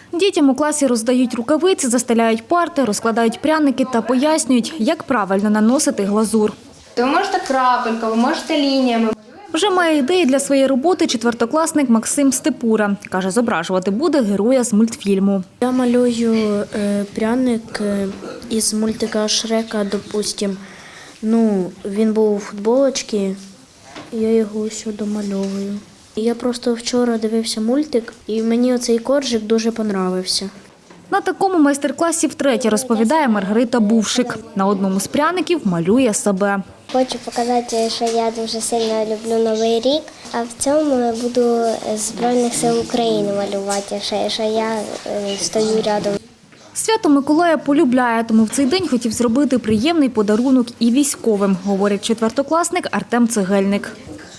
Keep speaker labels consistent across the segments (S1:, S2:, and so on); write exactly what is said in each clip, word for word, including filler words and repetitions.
S1: Дітям у класі роздають рукавиці, застеляють парти, розкладають пряники та пояснюють, як правильно наносити глазур.
S2: Ви можете крапелька, ви можете лініями.
S1: Вже має ідеї для своєї роботи четвертокласник Максим Степура. Каже, зображувати буде героя з мультфільму.
S3: Я малюю е, пряник е, із мультика Шрека, допустим. Ну, він був у футболочці, я його ось домальовую. Я просто вчора дивився мультик, і мені оцей коржик дуже понравився.
S1: На такому майстер-класі втретє розповідає Маргарита Бувшик. На одному з пряників малює себе.
S4: Хочу показати, що я дуже сильно люблю Новий рік, а в цьому я буду Збройних сил України малювати, що я стою рядом.
S1: Свято Миколая полюбляє, тому в цей день хотів зробити приємний подарунок і військовим, говорить четвертокласник Артем Цегельник.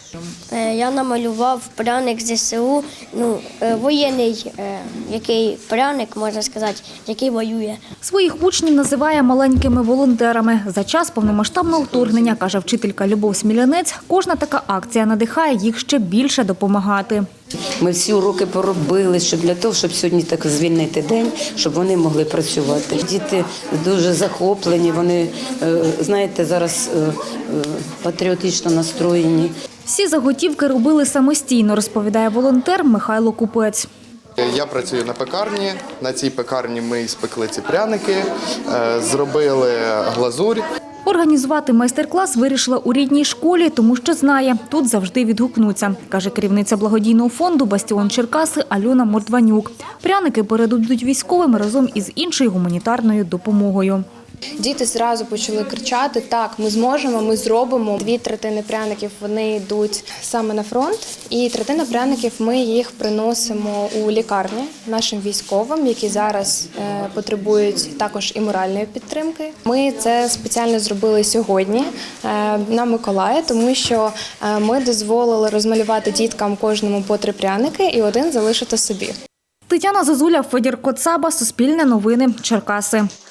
S5: Я намалював пряник з ЗСУ, ну, воєнний, який пряник, можна сказати, який воює.
S1: Своїх учнів називає маленькими волонтерами. За час повномасштабного вторгнення, каже вчителька Любов Смілянець, кожна така акція надихає їх ще більше допомагати.
S6: Ми всі уроки поробили, щоб для того, щоб сьогодні так звільнити день, щоб вони могли працювати. Діти дуже захоплені, вони, знаєте, зараз патріотично настроєні.
S1: Всі заготівки робили самостійно, розповідає волонтер Михайло Купець.
S7: Я працюю на пекарні. На цій пекарні ми спекли ці пряники, зробили глазурь.
S1: Організувати майстер-клас вирішила у рідній школі, тому що знає, тут завжди відгукнуться, каже керівниця благодійного фонду «Бастіон Черкаси» Альона Мордванюк. Пряники передадуть військовим разом із іншою гуманітарною допомогою.
S2: Діти зразу почали кричати: так, ми зможемо, ми зробимо. Дві третини пряників вони йдуть саме на фронт, і третина пряників ми їх приносимо у лікарні нашим військовим, які зараз е, потребують також і моральної підтримки. Ми це спеціально зробили сьогодні е, на Миколая, тому що е, ми дозволили розмалювати діткам кожному по три пряники і один залишити собі.
S1: Тетяна Зозуля, Федір Коцаба, Суспільне новини, Черкаси.